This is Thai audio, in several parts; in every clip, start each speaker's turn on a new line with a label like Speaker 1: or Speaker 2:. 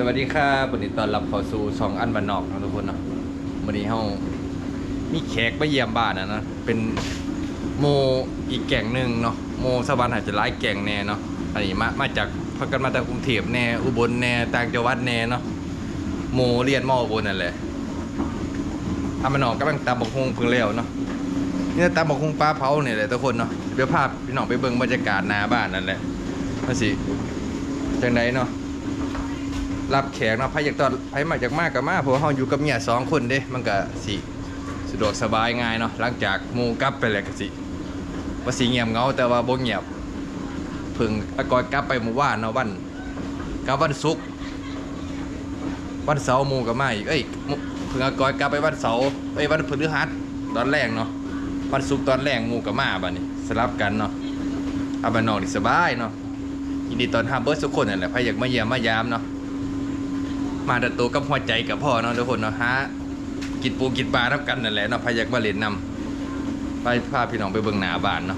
Speaker 1: วัสดีครับวันนี้ตอนรับเข้าสู่ช่องอันบ้านนอกนะทุกคนเนาะวันนี้เฮามีแขกมาเยี่ยมบ้านนะเป็นโมอีกแก่งหนึ่งเนาะโมสวรรค์อาจจะหลายแก่งแน่เนาะอันนี้มาจากพักกันมาจากกรุงเทพแน่อุบลแน่ต่างจังหวัดแน่เนาะโมเรียนมออุบลนั่นแหละอันบ้านนอกกำลังตำบักฮุงเพิ่งแล้วเนาะนี่ตำบักฮุงปลาเผาเนี่ยแหละทุกคนเนาะเดี๋ยวพาพี่น้องไปเบิ่งบรรยากาศหน้าบ้านนั่นแหละมาสิจังไดเนาะรับแขกเนาะไผอยากตอนไผมาจากมากกับมาเพราะว่าเฮาอยู่กับเมีย2คนเด้มันก็สิสะดวกสบายง่ายเนาะหลังจากหมู่กลับไปแล้วก็สิว่าสิเงียบเหงาแต่ว่าบ่เงียบเพิ่งก่อนกลับไปเมื่อวานเนาะวันศุกร์วันเสาร์หมู่ก็มาอีกเพิ่งก่อนกลับไปวันเสาร์วันพฤหัสตอนแรกเนาะวันศุกร์ตอนแรกหมู่ก็มาบัดนี้สลับกันเนาะเอาบ้านนอกนี่สบายเนาะยินดีตอนรับเบิดทุกคนนั่นแหละไผอยากมาเยี่ยมมายามเนาะมาดัดตัวกับหัวใจกับพ่อเนาะทุกคนเนาะฮะกินปูกินปลาทับกันนั่นแหละเนาะพาอยากมาเล่นนำไปพาพี่น้องไปเบิ่งหน้าบ้านเนาะ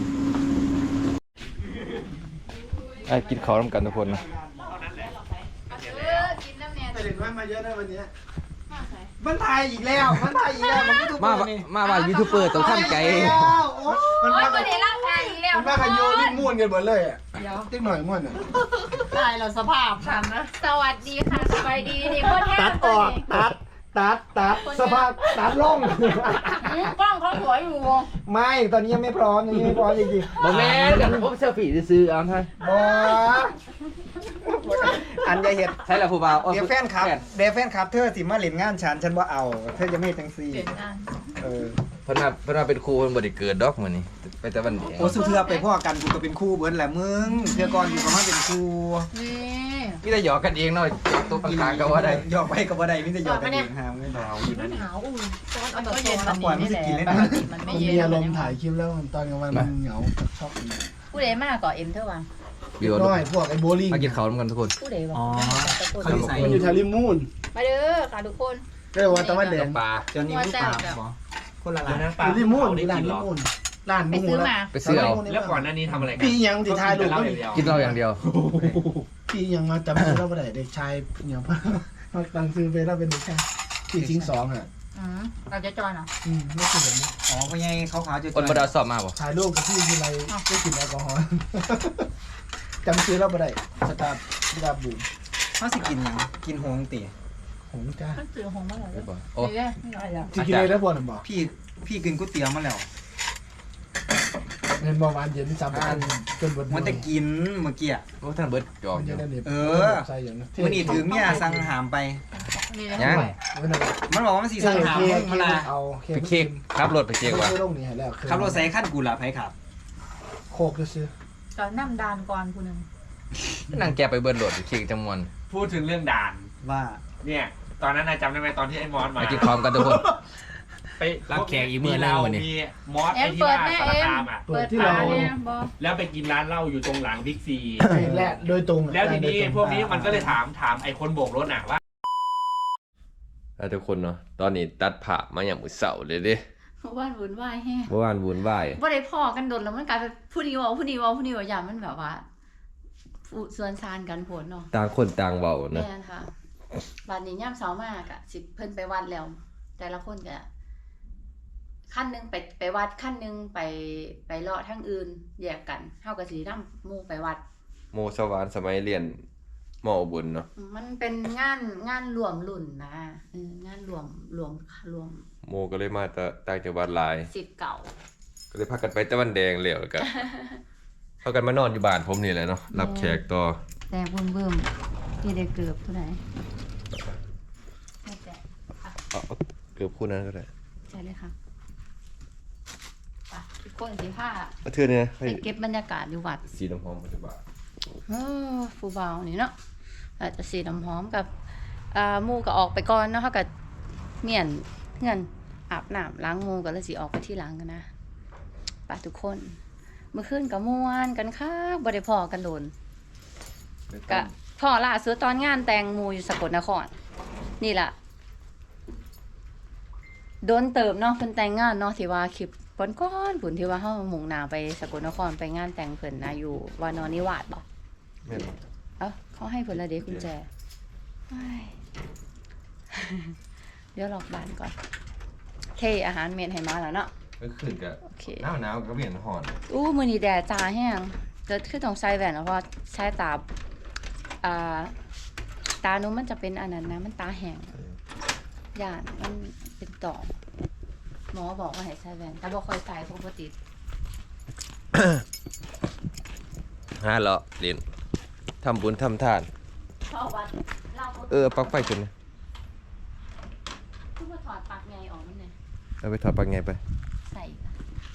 Speaker 1: ไอ้กินข้าวร่วมกันทุกคนเนาะ
Speaker 2: กินน้ำแน่
Speaker 3: แต่เด็กน้อยมาเยอะนะวันนี้มันถ่ายอีกแล้วมันก็ถูก
Speaker 1: มาว่ายูทูบเบอร์ต้องทำใจ
Speaker 3: มันมา
Speaker 2: ประเดี๋ยวร่างกายอีกแล้ว
Speaker 3: มันมากันโยลิ้นม้วนกันหมดเลยอ่ะติ๊กหน่อยม้วนอ่ะ
Speaker 4: ได้เราสภาพฉันนะ
Speaker 2: สวัสดีค่ะสบายดีนี่พ่อแท้
Speaker 3: ตัดออกตัดสภาพตัดลง
Speaker 2: กล้องเขาสวยอยู่
Speaker 3: ไม่ตอนนี้ยังไม่พร้อมจริง
Speaker 1: บ่แม่นกันผมเซลฟี่ซื้อเอาท่าน
Speaker 3: ๆบ่อันยาเห็ด
Speaker 1: ใช่แล้วผู้บ่าว
Speaker 3: เดี๋ยวแฟนครับเธอสิมาเล่นงานฉันว่าเอาเธอจะไม่จังซี่
Speaker 1: เพิ่นว่าเป็นครูเพิ่นบ่ได้เกิดดอกมื้อนี้ไปแต่วันเดียว
Speaker 3: โอ้สุเทือไปพ่อกันกูก็เป็นคู่เบิร์นแหละมึงเทือก่อนอยู่กับมันเป็นคู่
Speaker 2: นี่
Speaker 1: มีแต่หยอกกันเองเนาะตัวข้างๆก็ว่าได้
Speaker 3: หยอกไปกับว่าใดมิจะหยอกกันเองหามไม่เบาอยู่นั่น
Speaker 2: หนาวอุ่นตอน
Speaker 4: มันก็
Speaker 2: ก็
Speaker 4: เย็
Speaker 2: เย็
Speaker 4: น
Speaker 2: น
Speaker 4: ตอน
Speaker 3: ปล่อย
Speaker 4: นี้
Speaker 3: มัน
Speaker 4: นี่
Speaker 3: จะ
Speaker 4: แหละ
Speaker 3: กินเล่น
Speaker 4: มันไม่
Speaker 5: มัน
Speaker 4: เย็น
Speaker 5: มีอารมณ์ถ่ายคลิปแล้วตอนกลางวันมันเหงาชอบ
Speaker 2: ผู้ใดมากกว่าเอ็มเท่าวัง
Speaker 1: บิว
Speaker 5: น้อยพวกไอ้โบลิ่ง
Speaker 1: มากินข้าวร่วมกันทุกคน
Speaker 2: ผู้ใดวะ
Speaker 5: มันอยู่แถวริมมูน
Speaker 2: มาเด้อค่ะทุกคน
Speaker 5: ก็เลยว่าตะวันแดง
Speaker 1: ปลา
Speaker 3: จนนี้ไม่ปากคนละร้าน
Speaker 5: อยู่ริมมูนร้านริมมูนร้าน
Speaker 2: ไป
Speaker 5: มู
Speaker 2: ซื้อ
Speaker 5: แล้ว
Speaker 2: มา
Speaker 1: ไปซื้อเอา
Speaker 6: แล้วก่อนหน้านี้ทำอะไรกัน
Speaker 5: พี่ยังติดท้ายดูก็
Speaker 1: กินเหล้าอย่างเดียว
Speaker 5: พี่ยังมาจำชื่อเราไม่ได้เด็กชายอย่างพ่อตั้งซื้อไปแล้วเป็นเด็กชายพี่ทิ้ง2อ่ะ
Speaker 2: เราจะจอยเหรอ
Speaker 5: ไม่เคยเห็น
Speaker 3: อ๋อเป็นไงขาวๆจะ
Speaker 1: คนบ่ได้สอบมาบ่
Speaker 5: ถ่ายรูปกับพี่ทีไรได้กลิ่นแอลกอฮอล์จำชื่อเราไม่ได้สตาร์บุ๋ม
Speaker 3: เขาสิกินยังกินหงตี
Speaker 5: หงจ้า
Speaker 2: มันซื้อหงมาแล้ว
Speaker 1: ได้บ่โอ้
Speaker 2: เดี๋ยวไม่ไรอ่ะ
Speaker 5: ที่กินเลยแล้วบอลบอก
Speaker 3: พี่กินก๋วยเตี๋ยวมาแล้ว
Speaker 5: เงินบอลวันเย็นจำจนบน
Speaker 3: มันจะกินเมื่อกี้
Speaker 1: โอ้ท่านเบิดหยอก
Speaker 5: มัน
Speaker 1: อ
Speaker 5: จะ
Speaker 1: ยู่
Speaker 5: ได้เน็ตใช่อย่างนั้น
Speaker 3: มันนี่ถือเมียสั่งหามไป
Speaker 2: นี่
Speaker 1: ยัง
Speaker 3: มันบอกว่ามันสีสั่งหามมาละ
Speaker 5: เอา
Speaker 1: ไปเค้กขับรถไปเค้กว่ะ
Speaker 5: ไม่ลงนี่แล้ว
Speaker 3: ขับรถใส่ขั้นกูละไผขับ
Speaker 5: โคกจะซื้อ
Speaker 2: ก่อนน้ำดานก่อนคุณนึง
Speaker 1: นั่งแกไปเบิดรถไปเค้กจำนวน
Speaker 6: พูดถึงเรื่องด่าน
Speaker 3: ว่า
Speaker 6: เนี่ยตอนนั้นนายจำได้ไหมตอนที่ไอ้มอสมา
Speaker 1: มากินพร้อมกันทุกคน
Speaker 6: ไป
Speaker 1: รับแขกอีกมื้อหนึ่งวันนี้
Speaker 6: มีมอสไอ้ที่ว่าสารคามอ่ะ
Speaker 5: เปิดที่เรา
Speaker 2: เนี่ยบอ
Speaker 6: แล้วไปกินร้านเหล้าอยู่ตรงหลังบิ๊กซี
Speaker 5: แหละโดยตรง
Speaker 6: แล้วทีนี้พวกนี้มันก็เลยถามไอ้คนโบกรถน่ะว่า
Speaker 1: ทุกคนเนาะตอนนี้ตัดผ่ามาอย่างมื้อเสาร์เลยเด้
Speaker 2: บ้านวุ่นวายแฮะ
Speaker 1: เมื่อวานวุ่นวาย
Speaker 2: บ่ได้พ่อกันโดนแล้วมันกลายเป็นผู้นี้เว่าอย่างมันแบบว่าส่วนซานกันผลเนาะ
Speaker 1: ต่างคนต่างเว้านะ
Speaker 2: แม่นค่ะวันนี้ย่ำเสามากอะสิเพิ่นไปวัดแล้ว แต่ละคนก็ขั้นหนึงไปวัดขั้นหนึงไปเลาะทั้งอื่นแยกกันเฮาก็สินำหมู่ไปวัด
Speaker 1: โมสวรรค์สมัยเรียนมออุบลเนาะ
Speaker 2: มันเป็นงานรวมรุ่นนะงานรวม
Speaker 1: โมก็เลยมาแต่ต่างจังหวัดหลาย
Speaker 2: สิทธิ์เก่า
Speaker 1: ก็เลยพากันไปตะวันแดงแล้วก็ พากันมานอนอยู่บ้านผมนี่แหละเนาะรับแขกต่อ
Speaker 2: แต่เบิ่มที่ได้เกือบเท่าไหร่แต่
Speaker 1: เอาเกือบคู่นั้นก็ได้
Speaker 2: ใช่เลยค่ะไปทุกคนสิผ้า
Speaker 1: เอาเทื่อนี่นะให้
Speaker 2: ไปเก็บบรรยากาศอยู่วัด
Speaker 1: สีน้ำหอมปัจจุบัน
Speaker 2: ผู้เบานี่เนาะอาจจะสีน้ำหอมกับหมูก็ออกไปก่อนเนาะเขาก็เมียนเงินอาบน้ำล้างหมูก็เลยสิออกไปที่หลังกันนะไปทุกคนเมื่อคืนกับม่วนกันค่ะบ่ได้พอกันโดนกะพ่อล่าสุดตอนงานแต่งหมูอยู่สกลนครนี่ล่ะโดนเติมเนาะเพิ่นแต่งงานเนาะที่ว่าคลิปก้อนๆผุนที่ว่าเฮามุ่งหน้าไปสกลนครไปงานแต่งเพิ่นนะอยู่วานอนนิวาสบ่
Speaker 1: แม่นบ่
Speaker 2: เอ้าเขาให้ผลละเด็กกุญแจเฮ้ย เดี๋ยวหลอกบ้านก่อนโอเคอาหารเมนให้มาแล้วเนาะ
Speaker 1: ก็ขึ้นกับ
Speaker 2: โอเค
Speaker 1: หนาวก็เปลี่ยนห่อน
Speaker 2: อู้มือนี้แดดจ้าแห้งจะขึ้นตรงไซแหวนแล้วเพราะใช้ตาตาหนุมันจะเป็นอันนั้นนะมันตาแห้งย่านมันเป็นต่อมหมอบอกว่าให้ใช้แหวนแต่บอกคอยใส่ปกติ
Speaker 1: ฮะเลาะเรียนทำบุญทำทาน
Speaker 2: เพราะว่าเรา
Speaker 1: ปลั๊กไฟจนนะ
Speaker 2: ทุกมาถอดปากไงออกมันเนี่ย
Speaker 1: เอาไปถอดปลั๊กไงไป
Speaker 2: ใส่ค่ะ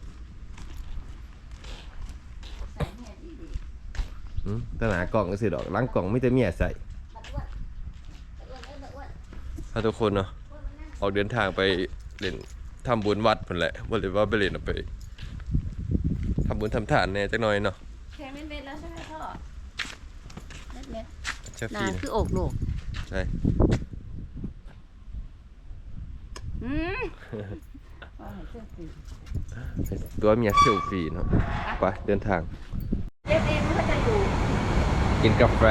Speaker 2: ใส่เนี่ยดี
Speaker 1: ตหนากล่องก็สิดอกล้างกล่องไม่แต่เมียใส่
Speaker 2: ๆบัดอ้วนอ้วน
Speaker 1: ถ้าทุกคนเนาะออกเดินทางไปเล่นทำบุญวัดพุ่นแหละบ่เลยว่าไปเล่นเอาไปทำบุญทำทานแหน่จักหน่อยเนาะ
Speaker 2: แค่เม็ดๆแล้วใช่ไหมพ่อเม็ด
Speaker 1: เชฟ
Speaker 2: ๆ
Speaker 1: ฟี่
Speaker 2: นาคืออกโหนก
Speaker 1: ใช่
Speaker 2: อืมเอาให้เสื้อสี
Speaker 1: ตัวเมียเซลฟี่เนาะไปเดินทาง
Speaker 2: เย็บเองมันก็จะอยู่
Speaker 1: กินกาแฟ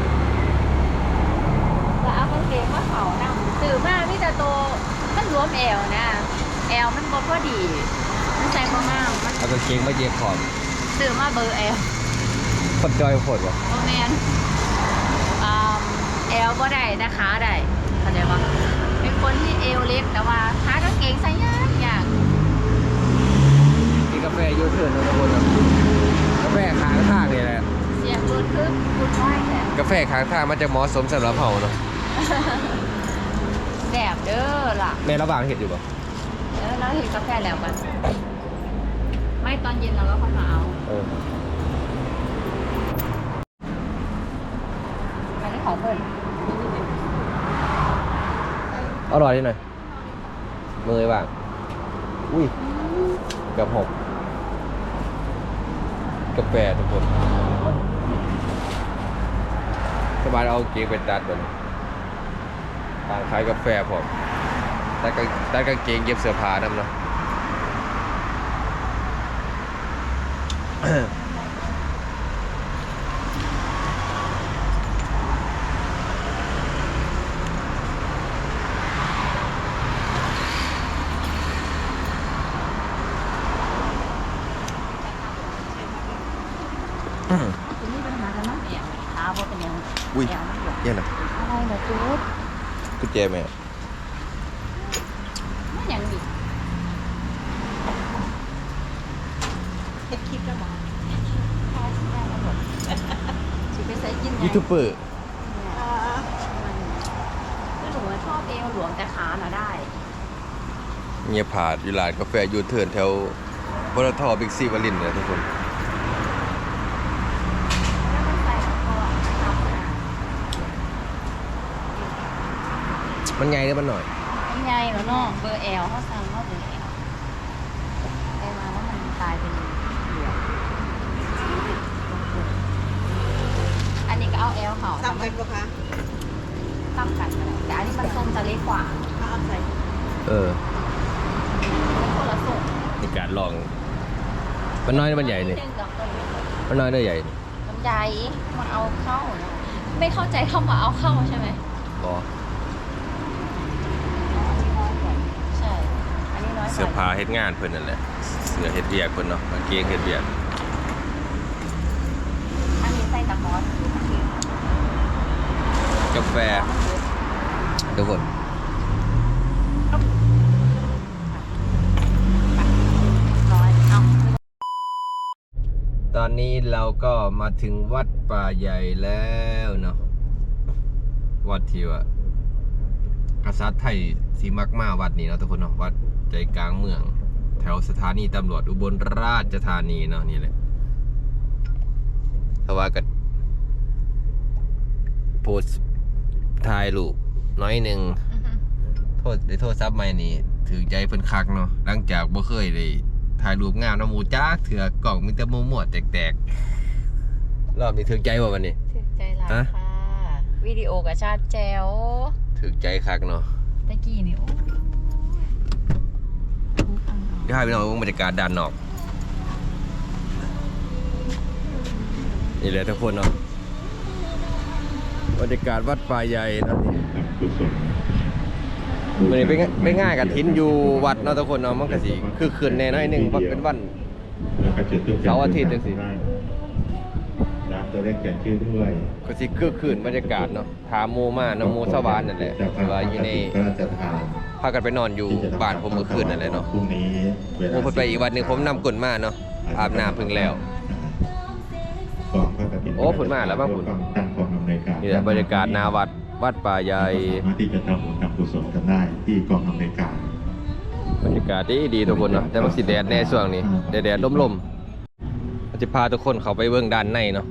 Speaker 2: แล้วเอากางเกงมาเขานำสื่อมามิแต่โตมันรวมแอลนะแอลมันบ่พอดีมันใส่บ่งามมัน
Speaker 1: เอากางเกงมาเย็บขอบ
Speaker 2: สื่อมาเบอร์แอล
Speaker 1: คนจอยโคตรวะ
Speaker 2: โอแมนแอลบ่ได้แต่ขาได้เข้าใจปะเป็นคนที่เอวเล็กแต่ว่าขากางเกงใส่ยาก
Speaker 1: กินกาแฟยูเทิร์นเนาะทุกคนเนาะกาแฟค้างทางนี่แหละ
Speaker 2: เสียงรุนคือคุณไหวแหละ
Speaker 1: กาแฟค้างทางมันจะเหมาะสมสำหรับเฮาเนาะ
Speaker 2: แสบเด้อล่ะ
Speaker 1: ในระหว่างเฮ็ดอยู่บ่
Speaker 2: แล้วเห็นกาแฟแล้วกันไม่ตอนเย็นเราก็ค่อยมาเอาอันนี้ของเพิ่น
Speaker 1: อร่อยนิดหน่อยมือบ้างอุ้ยกับหกกาแฟทุกคนสบายเอาเกงไปตัดแบบต่างขายกาแฟผมตัดกางเกงเย็บเสื้อผ้านั่นเนาะ
Speaker 2: คุณนี่เป็นมาแล้วมั้งเนี่ยขาบ่เป็นยัง
Speaker 1: อุ้ย
Speaker 2: แอวมันหลวม
Speaker 1: เย็นนะ
Speaker 2: อะไรนะจุ๊บ
Speaker 1: กุญแจแม่
Speaker 2: ไม่ยังดิ
Speaker 4: เฮ็ดคลิปแล้วบอก
Speaker 2: พอสิได้แล้วหมดสิไปใส่กินไง
Speaker 1: ยูทูบเบอร์
Speaker 2: คือหนูชอบเอวหลวมแต่ขาน่ะได้
Speaker 1: เงียบผาดอยู่ร้านกาแฟยูเทิร์นแถวปตทบิ๊กซีวลินทร์เนี่ยทุกคน
Speaker 2: แล้วมันใส่แล้วก็ทำนะ
Speaker 1: มันไงหรือมันหน่อย
Speaker 2: มันใหญ่แล้วเนาะเบอร์แอลเขาสั่งเขาเบอร์แอลไปมาแล้วมันกลายเป็นเหลืองอันนี้ก็เอาแอลเขา
Speaker 4: ซ้ำกันปะคะ
Speaker 2: ตั้งกันอะไรแต่อันนี้มันทรงจะเล็กกว่า
Speaker 4: ถ้าเอาใส่
Speaker 2: มันคนละทรง
Speaker 1: ในการลอง มันน้อยหรือมันใหญ่เนี่ย มันน้อยได้ใหญ่
Speaker 2: มันใหญ่มันเอาเข้าเนอะไม่เข้าใจเข้ามาเอาเข้าใช่ไหม
Speaker 1: บอ
Speaker 2: ใช่ อันนี้น้อยกว่า
Speaker 1: เสื้อผ้าเฮ็ดงานเพิ่นนั่นแหละ เสื้อเฮ็ดเวียกเพิ่นเนาะกางเกงเฮ็ดเวียก
Speaker 2: อันนี้ใส่ตะมอส
Speaker 1: กาแฟทุกคน
Speaker 2: ร้อยเอา
Speaker 1: ตอนนี้เราก็มาถึงวัดป่าใหญ่แล้วเนาะ วัดที่ว่ากษัตริย์ไทยสีมักมาวัดนี้เนาะทุกคนเนาะ วัดใจกลางเมือง แถวสถานีตำรวจอุบลราชธานีเนาะนี่แหละถ้าว่ากันโพสต์ถ่ายรูปน้อยหนึ่งโทษซับใหม่นี่ถือใจเพิ่นคักเนาะหลังจากบ่เคยได้ถ่ายรูปงามน้ำหมูจ้าเถื่อกล่องมีแต่มั่วๆแตกๆรอบนี้ถือใจบ่วันนี้
Speaker 2: ถึกใจหลาย
Speaker 1: ฮะ
Speaker 2: ค่ะ วิดีโอกับชาติแจ๋ว
Speaker 1: ถือใจคักเนาะ
Speaker 2: ตะกี้นี่โอ้ย
Speaker 1: เดี๋ยวให้พี่น้องดูบรรยากาศด้านนอกนี่แหละทุกคนเนาะบรรยากาศวัดป่าใหญ่นะวันนี้ไปง่ายกับทิ้นอยู่วัดเนาะทุกคนเนาะมันก็สิคือคืนแน่น้อยหนึงว่าเป็นวันเสาร์อาทิตย์จังซี่
Speaker 7: น้ำตัวเลขเขียนชื่อด้วย
Speaker 1: ก็สิคือคืนบรรยากาศเนาะถามหมู่มาน้ำหมู่ชาวบ้านนั่นแหละที่ว่าอยู่ใน
Speaker 7: พระราชทาน
Speaker 1: พากันไปนอนอยู่บ้านผมเมื่อคืนนั่นแหละเนาะ
Speaker 7: พรุ่งนี้เวลา
Speaker 1: ผมเพิ่นไปอีกวันหนึงผมนำกลมาเนาะอาบน้ำเพิ่งแล้ว
Speaker 7: กองพระกฐิน
Speaker 1: โอ้ผลมาแล้วบ้างผล
Speaker 7: ตั้งกองอำนวยการ
Speaker 1: นี่แหละบรรยากาศหนาวัดป่าใหญ่
Speaker 7: สามารถที่จะทำบุญทำกุศลกันได้ที่กองอำนวยการ
Speaker 1: บรรยากาศดีทุกคนเนาะแต่มันสิแดดแน่ช่วงนี้แดดลมๆเราจะพาทุกคนเข้าไปเบิ่งด้านในเนาะ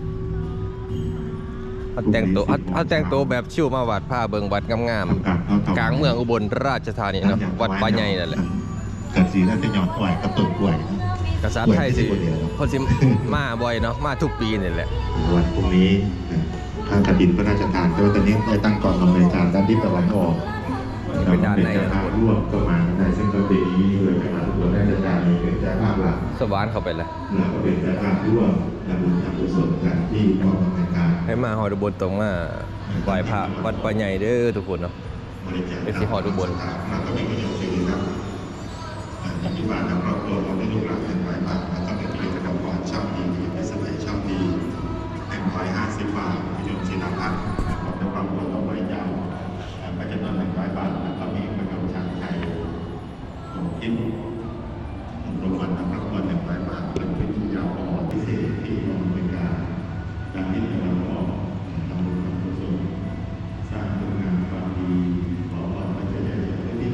Speaker 1: เขาแต่งตัวแบบชิวมาวัดผ้าเบิ่งวัดงามๆกลางเมืองอุบลราชธานีเนาะวัดป่าใหญ่นั่นแหละ
Speaker 7: กันสีแล้วจะย้อนกล้วยกับต้นกล้วย
Speaker 1: กษัตริย์ไทยสิคนสิมาบ่อยเนาะมาทุกปีนี่แหละ
Speaker 7: วันพรุ่งนี้พระกฐินพระราชทานก็ตอนนี้ได้ตั้งกองอำนวยการด้านทิศตะวันออก
Speaker 1: เป็นด้านใน
Speaker 7: เจ้าภาพร่วมก็มาได้ซึ่งก็ปีนี้โดยคณะทุกคนได้จัดการเป็นเจ้าภาพหลัก
Speaker 1: สวรรค์เข้าไปแล้ว
Speaker 7: แล้วก็เป็นเจ้าภาพร่วมทำบุญทำกุศลกันที่กองอำนวยการ
Speaker 1: ให้มาหอดอุบลตรงมาไหว้พระวัดป่าใหญ่เด้อทุกคนเนาะ เป็นที่หอดอุบล
Speaker 7: มันก็มีประโยชน์ดีครับที่บ้านทางครอบครัวเราได้ลูกหลานเป็นร้อยบาทแล้วก็เป็นกิจกรรมก่อนชอบดีในสมัยชอบดี150 บาทประโยชน์ศิลปะของในความควรต้องไว้ยาวก็จะนอน100 บาทแล้วก็มีประกำช้างไทยของกินรางวัลทางครอบครัว100 บาทเป็นวิทยาออนพิเศษที่กองอำนวยการการที่เราออกทำบุญทำกุศลสร้างคุณงามความดีขอพรพระเจ้าที่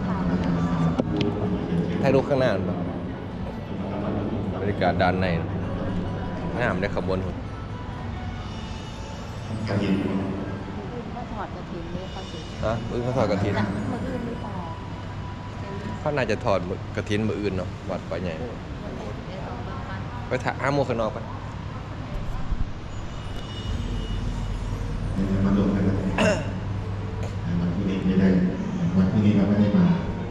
Speaker 1: ถ่ายรูปข้างหน้าเนาะบรรยากาศด้านในงามได้ขบวนหุ่น
Speaker 2: มาถอดกระถิ่นเลยเขาสิ
Speaker 1: ฮะมื้อเขาถอดกระถิน
Speaker 2: มืออื่นหรือเปล่า
Speaker 1: เขาน่าจะถอดกระถินมื้ออื่นเนาะวัดป่าใหญ่ไปถ่ายห้าโมงข้างนอกไป
Speaker 7: มาดูกันเลยวันพรุ่งนี้ไม่ได้วันพรุ่งนี้เราไม่ได้มา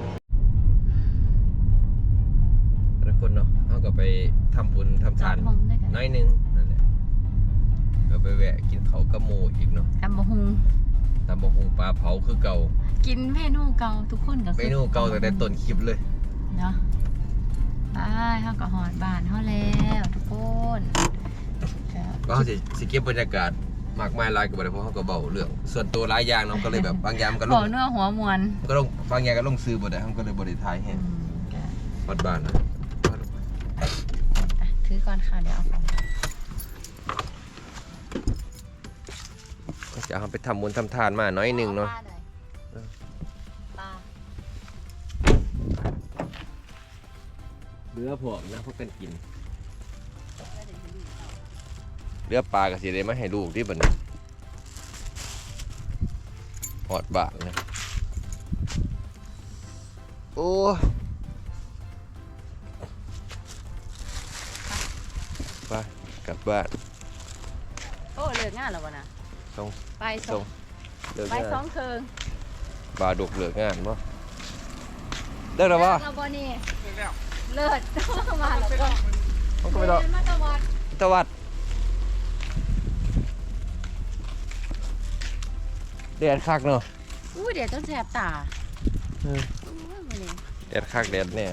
Speaker 1: ทุกคนเนาะเขาก็ไปทำบุญทำทาน
Speaker 2: มองได้กัน
Speaker 1: น้อยหนึงนั่นแหละก็ไปแวะกินเขาวกระโมอีกเนาะ
Speaker 2: ตำบะฮุง
Speaker 1: ตำบักหุ่งปลาเผาคือเก่า
Speaker 2: กินเมนูเก่าทุกคนก็คือ
Speaker 1: เมนูเก่าตั้งแต่ต้นคลิปเลย
Speaker 2: เนาะไปเฮาก็หอดบ้านเฮาแล้วทุกคนก็
Speaker 1: ก็เขาสิเก็บบรรยากาศมากมายหลายกับอะไรเพราะเขาก็เบาเรื่องส่วนตัวหลายอย่างเนาะก็เลยแบบบางอย่างมันก็ล
Speaker 2: หัว
Speaker 1: ง
Speaker 2: เนื้อหัวมวน
Speaker 1: ก็ลงบางอย่างก็ลงซื้อบ่ได้เขาก็เลยบ่ได้ถ่ายให้
Speaker 2: ก็
Speaker 1: วัดบ้านนะ
Speaker 2: อ่ะถือก่อนค่ะเดี๋ยวเอาของ
Speaker 1: ก็จะเอาไปทำบุญทำทานมาน้อยหนึงเนาะ
Speaker 2: ปลา
Speaker 1: เรือพวกนะพวกกันกินเรือปลาก็สิได้มาให้ลูกที่บัดนี้หอดบาทนะโอ้ไปกลับบ้าน
Speaker 2: โอ้เลิกงานแล้วบ่นะ
Speaker 1: ส่ง
Speaker 2: ไปส
Speaker 1: ส่
Speaker 2: อง ง
Speaker 1: เลิก
Speaker 2: ไป
Speaker 1: งาน
Speaker 2: สองเคิง
Speaker 1: ปลาดุกเลิกงานบ่เลิกแล้วบ่
Speaker 2: เราบ่นี่เลิศมาแล้วก็
Speaker 1: มันก็ไปต่อ
Speaker 2: มาตะวัด
Speaker 1: ตะวัดแดดคักเนาะ
Speaker 2: อู้เดี๋ยวต้องแสบตา
Speaker 1: เออ
Speaker 2: อู้มื้อนี้
Speaker 1: แดดคักแดดแน่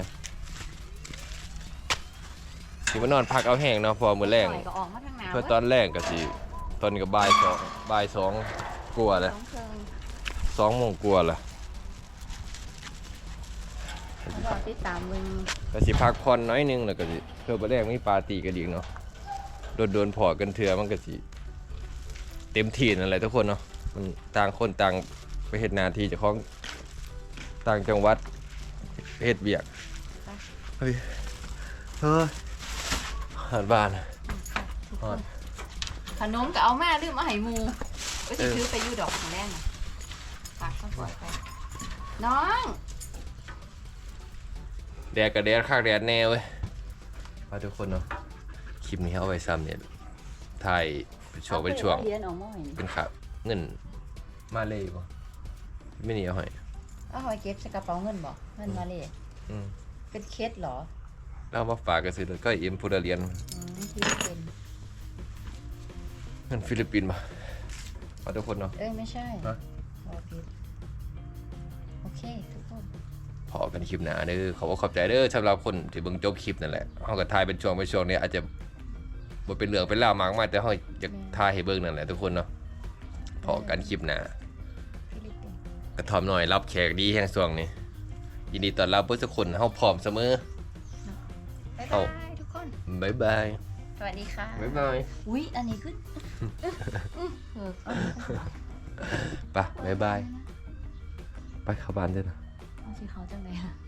Speaker 1: สิมานอนพักเอาแห้งเนาะพอมื้อแรง
Speaker 2: ปล่อยก็ออกมาทางหน้า
Speaker 1: เพื่อตอนแรกก็สิตอนนี้ก็บ่ายสองกลัวาเลย
Speaker 2: สองเคิง
Speaker 1: 2 โมงกลัวาละ
Speaker 2: รอติดตามมึง
Speaker 1: ก็สิพักผ่อนน้อยหนึงแล้วก็สิเพื่อบ่แรงมีปาร์ตี้กันอีกเนาะโดนพอกันเทื่อมันก็สิเต็มที่นั่นแหละทุกคนเนาะมันต่างคนต่างไปเฮ็ดหน้าที่เจ้าของต่างจังหวัดเฮ็ดเวียกเฮ้ยหาดบ้านฮอด
Speaker 2: ขนมก็เอามาลืมมาให้หมูก็สิซื้อไปอยู่ดอกของแรกน่ะฝากก็ปล่อยไปน้อง
Speaker 1: แดดกับแดดคักแดดแน่เว้ยมาทุกคนเนาะคลิปนี้เอาไว้ซ้ำเนี่ยถ่ายเป็นช่วง
Speaker 2: เรียนออกมาให้
Speaker 1: เป็นขาเงินมาเลยบ่ไม่หนีเอาให้
Speaker 2: เอาไว้เก็บใส่กระเป๋าเงินบ่เงินมาเลย
Speaker 1: อืม
Speaker 2: เป็นเคสเหรอ
Speaker 1: แล้วเอามาฝากกันสิเลยก็เอ็มพูดเรียน
Speaker 2: ที่เป็น
Speaker 1: เงินฟิลิปปินส์บ่ขอทุกคนเนาะ
Speaker 2: ไม่ใช่
Speaker 1: ฮะ
Speaker 2: รอผิดโอเคทุกคน
Speaker 1: พอกันคลิปหนาเด้อขอบใจเด้อสำหรับคนที่เบิ่งจบคลิปนั่นแหละเฮาก็ถ่ายเป็นช่วงนี้อาจจะบ่เป็นเรื่องเป็นราวมากมายแต่เฮาจะถ่ายให้เบิ่งนั่นแหละทุกคนเนาะพอกันคลิปหนา
Speaker 2: ฟิลิปปินส์
Speaker 1: กระทอมหน่อยรับแขกดีแห่งช่วงนี้ยินดีต้อนรับเพื่อทุกคนเฮาพร้อมเสมอ
Speaker 2: บ๊าย
Speaker 1: เอา
Speaker 2: บายทุกคน
Speaker 1: บ๊ายบาย
Speaker 2: สวัสดีค่ะ
Speaker 1: บ๊ายบาย
Speaker 2: อุ๊ยอันนี้ขึ้นเอา
Speaker 1: ไปบ๊ายบายไปเข้าบ้านด้วยนะ
Speaker 2: เอาสิเขาจังเลยค่ะ